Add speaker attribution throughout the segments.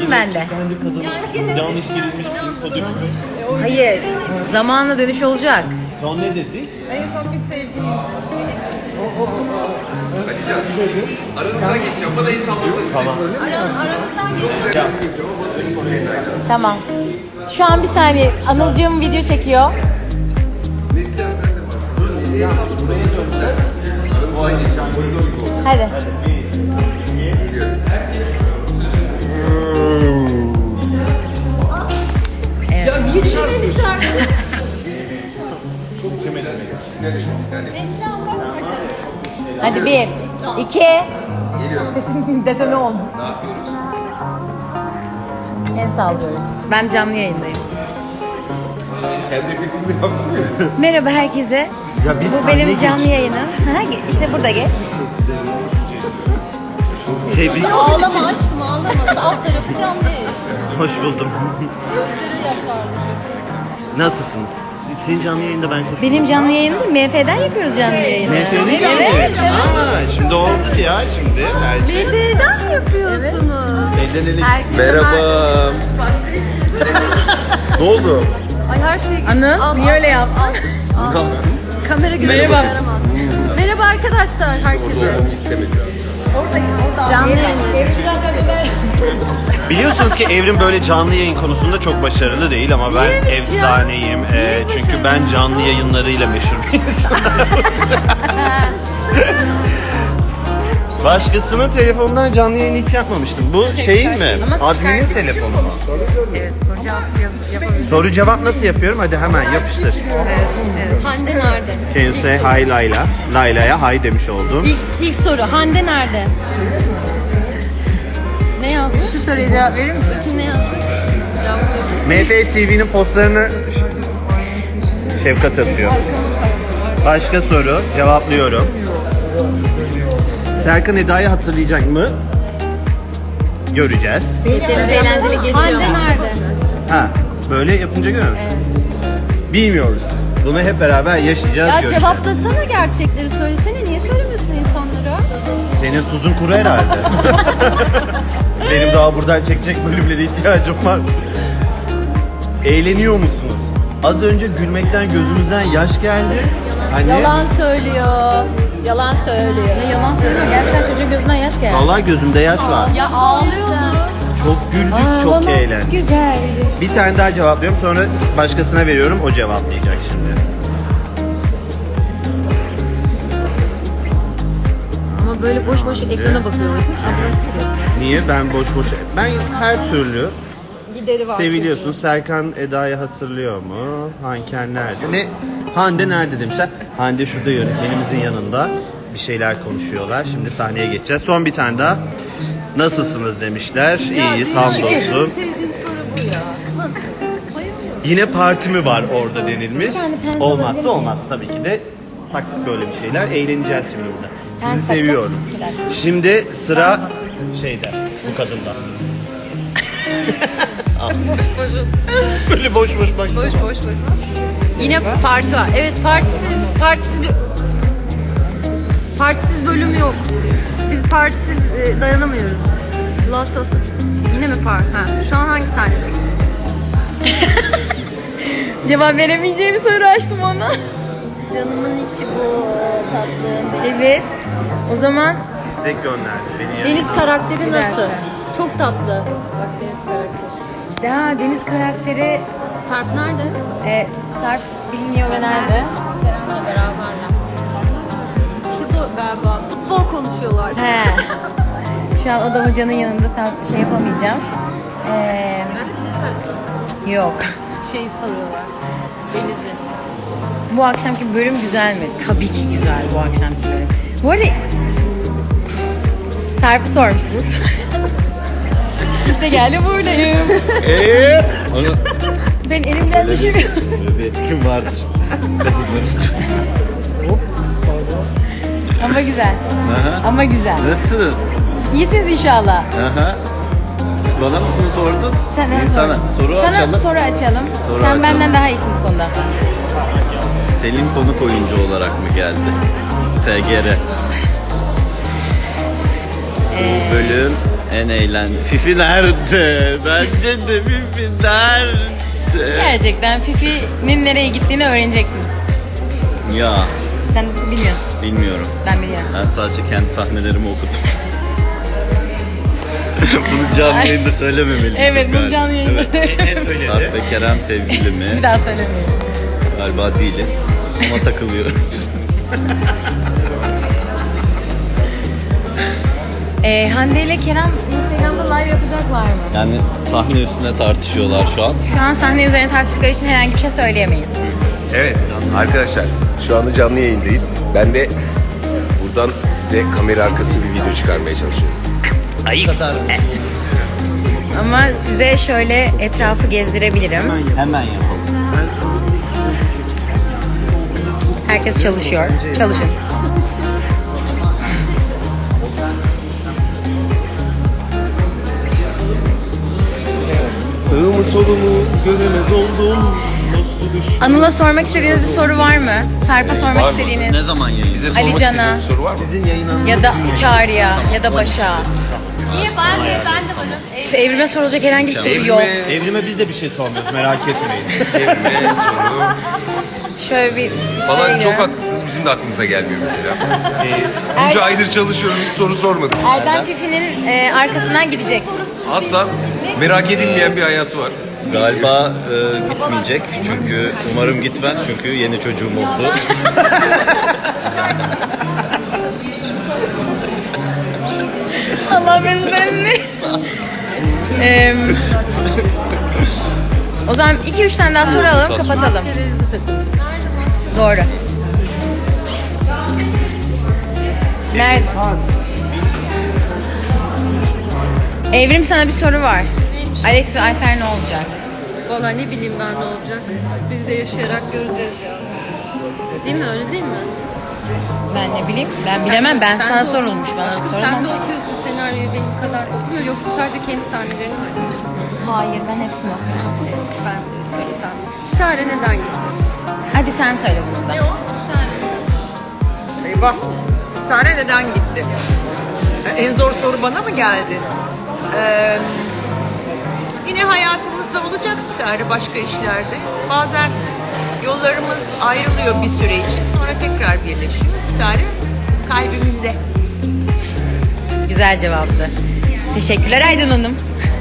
Speaker 1: Geleyim ben de.
Speaker 2: Kendi kadın yanlış girilmiş bir kodu.
Speaker 1: Hayır. Zamanla dönüş olacak.
Speaker 2: Son ne dedik?
Speaker 3: En son bir sevgiliyiz.
Speaker 4: Aranızdan geçeceğim. Bana iyi sallasın.
Speaker 2: Tamam.
Speaker 1: Tamam. Şu an bir saniye. Anılcığım video çekiyor.
Speaker 4: Neslihan sen de varsın. İyi sallasın. Çok güzel. Aranızdan geçeceğim. Koridor gibi olacak.
Speaker 1: Hadi.
Speaker 4: Ya niye çarpıyorsun?
Speaker 1: Hadi 1, 2. Sesim detone oldu.
Speaker 4: Ne yapıyoruz?
Speaker 1: El sallıyoruz. Ben canlı yayındayım.
Speaker 4: Kendi efektimle yaptım.
Speaker 1: Merhaba herkese.
Speaker 2: Ya biz
Speaker 1: Bu benim canlı yayınım. İşte burada geç.
Speaker 2: Biz...
Speaker 5: Ağlama aşkım ağlama. Alt tarafı canlı yayın.
Speaker 2: Hoş buldum.
Speaker 5: Gözleri yaşardı.
Speaker 2: Nasılsınız? Senin canlı yayında ben koşuyorum.
Speaker 1: Benim canlı yayınım değil, MF'den yapıyoruz canlı yayını.
Speaker 2: MF'nin canlı yayını. Şimdi oldu ya şimdi.
Speaker 5: Neden mi yapıyorsunuz?
Speaker 2: Elden ele.
Speaker 4: Merhaba. Ne oldu?
Speaker 5: Ay her şey...
Speaker 1: Anıl, niye öyle yaptın?
Speaker 5: Kamera görüntü yaramaz. Merhaba arkadaşlar herkese.
Speaker 4: Olmamı istemedim.
Speaker 5: Canlı yayın.
Speaker 2: Biliyorsunuz ki Evrim böyle canlı yayın konusunda çok başarılı değil ama ben
Speaker 5: Niyeymiş ya?
Speaker 2: efsaneyim. Çünkü ben canlı yayınlarıyla meşhur bir insanım. Başkasının telefonundan canlı yayın hiç yapmamıştım. Bu şey mi? Admin'in telefonu mu?
Speaker 1: Evet,
Speaker 2: Soru cevap nasıl yapıyorum? Hadi hemen yapıştır.
Speaker 5: Hande nerede?
Speaker 2: Kendisi hay Layla. Layla'ya hay demiş oldum.
Speaker 5: İlk soru. Hande nerede? Ne yazmış?
Speaker 1: Şu soruya cevap verir misin?
Speaker 5: Kim ne yazmış?
Speaker 2: MF TV'nin postlarını Şefkat atıyor. Başka soru cevaplıyorum. Serkan Eda'yı hatırlayacak mı? Göreceğiz.
Speaker 1: Deniz eğlenceli geçiyor.
Speaker 5: Hande nerede?
Speaker 2: Ha, böyle yapınca görüyor musun? Bilmiyoruz. Bunu hep beraber yaşayacağız,
Speaker 5: Ya
Speaker 2: göreceğiz.
Speaker 5: cevaplasana gerçekleri söylesene. Niye söylemiyorsun insanlara?
Speaker 2: Senin tuzun kuru herhalde. Benim daha buradan çekecek bölümlere ihtiyacım var. Eğleniyor musunuz? Az önce gülmekten gözümüzden yaş geldi. Hani
Speaker 5: Yalan söylüyor. Yalan söylüyor.
Speaker 1: Yalan söyleme. Gerçekten çocuğun gözünden yaş geldi.
Speaker 2: vallahi gözümde yaş var.
Speaker 5: Ya ağlıyordu.
Speaker 2: Çok güldük, çok eğlendik.
Speaker 1: Güzel.
Speaker 2: Bir tane daha cevaplıyorum, sonra başkasına veriyorum, o cevaplayacak şimdi.
Speaker 1: Ama böyle boş boş ekrana bakıyorsun.
Speaker 2: Niye? Ben boş boş... Ben her türlü
Speaker 5: Gideri var.
Speaker 2: seviliyorsun. Serkan Eda'yı hatırlıyor mu? Hanken nerede? Ne? Hande nerede demişler. Hande şurada yönetmenimizin yanında. Bir şeyler konuşuyorlar. Şimdi sahneye geçeceğiz. Son bir tane daha. Nasılsınız demişler. İyiyiz, hamdolsun.
Speaker 5: Sevdiğim soru bu ya. Nasıl? Bayılıyorum.
Speaker 2: Yine parti mi var orada denilmiş. Olmazsa olmaz tabii ki de. Taktık böyle bir şeyler. Eğleneceğiz şimdi burada. Sizi seviyorum. Şimdi sıra şeyde, bu kadında. Böyle boş boş bak.
Speaker 5: Boş boş boş. Yine parti var. Evet partisiz bölüm yok. Biz partisiz dayanamıyoruz. Last of Yine mi part? Ha. Şu an hangi sahne çekiyor?
Speaker 1: Cevap veremeyeceğim bir soru açtım ona.
Speaker 5: Canımın içi bu tatlım.
Speaker 1: Evet. O zaman
Speaker 2: İstek gönderdi beni.
Speaker 5: Deniz karakteri
Speaker 1: Bir
Speaker 5: nasıl?
Speaker 1: dakika.
Speaker 5: Çok tatlı. Bak Deniz karakteri.
Speaker 1: daha Deniz karakteri
Speaker 5: Sarp nerede?
Speaker 1: Sarp bilmiyor ve nerede?
Speaker 5: Kerem'le beraberler. Şurada galiba futbol konuşuyorlar.
Speaker 1: He. Şu an Adam Hoca'nın yanında tam şey yapamayacağım. Yok.
Speaker 5: Şeyi soruyorlar. Deniz'i.
Speaker 1: Bu akşamki bölüm güzel mi? Tabii ki güzel bu akşamki bölüm. Bu arada Sarp'ı sormuşsunuz. İşte geldi buradayım. Ben elimden düşürüyorum.
Speaker 2: Bir etkim vardır.
Speaker 1: Ama güzel. Ama güzel.
Speaker 2: Nasıl?
Speaker 1: İyisiniz inşallah.
Speaker 2: Aha. Bana mı bunu sordun?
Speaker 1: Senden
Speaker 2: Sana
Speaker 1: sor.
Speaker 2: soru
Speaker 1: Sana
Speaker 2: açalım.
Speaker 1: soru açalım.
Speaker 2: Soru
Speaker 1: Sen
Speaker 2: açalım.
Speaker 1: benden daha iyisin bu konuda.
Speaker 6: Selim konuk oyuncu olarak mı geldi? TGR. Bu bölüm En eğlen. Fifi nerede? Bence de Fifi nerede?
Speaker 1: Gerçekten Fifi'nin nereye gittiğini öğreneceksiniz.
Speaker 6: Ya
Speaker 1: Sen bilmiyorsun.
Speaker 6: bilmiyorum.
Speaker 1: Ben biliyorum.
Speaker 6: Ben sadece kendi sahnelerimi okudum. Bunu canlı yayında söylememeliydim.
Speaker 1: Evet, bunu
Speaker 6: galiba.
Speaker 1: canlı yayında.
Speaker 6: Evet.
Speaker 2: Ne söyledi?
Speaker 6: Sarp ve Kerem sevgili mi?
Speaker 1: Bir daha söylemeyin.
Speaker 6: Galiba değiliz. Ama takılıyoruz.
Speaker 1: Hande ile Kerem Instagram'da live yapacaklar mı?
Speaker 6: Yani sahne üstüne tartışıyorlar şu an.
Speaker 1: Şu an sahne üzerine tartıştıkları için herhangi bir şey söyleyemeyiz.
Speaker 4: Evet arkadaşlar şu anda canlı yayındayız. Ben de buradan size kamera arkası bir video çıkarmaya çalışıyorum.
Speaker 1: Ama size şöyle etrafı gezdirebilirim.
Speaker 6: Hemen yapalım.
Speaker 1: Herkes çalışıyor. Çalışın.
Speaker 4: Sağımı solumu göremez oldum.
Speaker 1: Anıl'a sormak istediğiniz bir soru var mı? Sarp'a sormak
Speaker 4: Var mı?
Speaker 1: istediğiniz
Speaker 6: Ne zaman yayın?
Speaker 4: Bize sormak
Speaker 1: Ali Can'a.
Speaker 4: istediğiniz bir soru var mı?
Speaker 2: Sizin yayınlanmanız
Speaker 1: ya da Çağrı'ya ya da Başak'a. Evrime sorulacak herhangi bir soru yok.
Speaker 2: Evrime biz de bir şey sormuyoruz, merak etmeyin.
Speaker 4: Evrime soru
Speaker 1: Şöyle bir
Speaker 4: falan
Speaker 1: şey
Speaker 4: çok
Speaker 1: geliyor.
Speaker 4: haklısınız. Bizim de aklımıza gelmiyor mesela.
Speaker 1: Er-
Speaker 4: Bunca aydır çalışıyoruz hiç soru sormadık.
Speaker 1: Erdem Fifi'nin arkasından gidecek.
Speaker 4: Asla merak edilmeyen bir hayatı var.
Speaker 6: Galiba gitmeyecek çünkü umarım gitmez çünkü yeni çocuğum oldu.
Speaker 1: Allah mesutlarını. O zaman 2-3 tane daha soru alalım, kapatalım. Doğru. Nerede? Evrim, sana bir soru var. Alex ve Ayfer ne olacak?
Speaker 5: Valla ne bileyim ben ne olacak. Biz de yaşayarak göreceğiz ya. Değil mi, öyle değil mi?
Speaker 1: Ben ne bileyim. Ben bilemem. Ben
Speaker 5: Sen
Speaker 1: sana
Speaker 5: de
Speaker 1: sorulmuş. Bana
Speaker 5: Aşkım sen de
Speaker 1: sorulmamış.
Speaker 5: okuyorsun senaryoyu benim kadar okumuyor. Yoksa sadece kendi sahnelerini mi okuyorsun?
Speaker 1: Hayır, ben hepsini okuyorum.
Speaker 5: Ben de öyle tamam. Stare neden gitti?
Speaker 1: Hadi sen söyle bunu da.
Speaker 5: Stare.
Speaker 3: Eyvah. Stare neden gitti? En zor soru bana mı geldi? Yine hayatımızda olacak Stare başka işlerde. Bazen yollarımız ayrılıyor bir süre için. Sonra tekrar birleşiyor. Stare kalbimizde.
Speaker 1: Güzel cevaptı. Teşekkürler Aydın Hanım.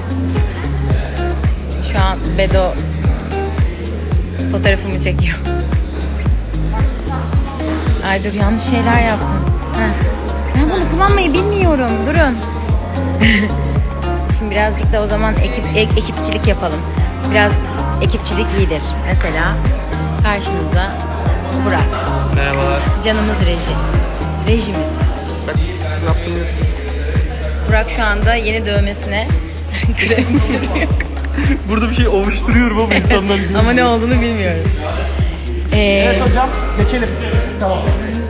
Speaker 1: Şu an Bedo fotoğrafımı çekiyor. Ay dur, yanlış şeyler yaptım. Heh. Ben bunu kullanmayı bilmiyorum. Durun. Şimdi birazcık da o zaman ekipçilik yapalım. Biraz ekipçilik iyidir. Mesela karşınızda Burak.
Speaker 2: Merhabalar.
Speaker 1: Canımız rejimiz. Burak şu anda yeni dövmesine krem sürüyor.
Speaker 2: Burada bir şey ovuşturuyorum ama insanlar
Speaker 1: Ama ne olduğunu bilmiyoruz.
Speaker 2: hocam, geçelim. Tamam.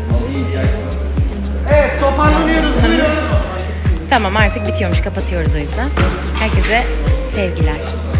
Speaker 2: Evet, toparlanıyoruz.
Speaker 1: Tamam, artık bitiyormuş. Kapatıyoruz o yüzden. Herkese sevgiler.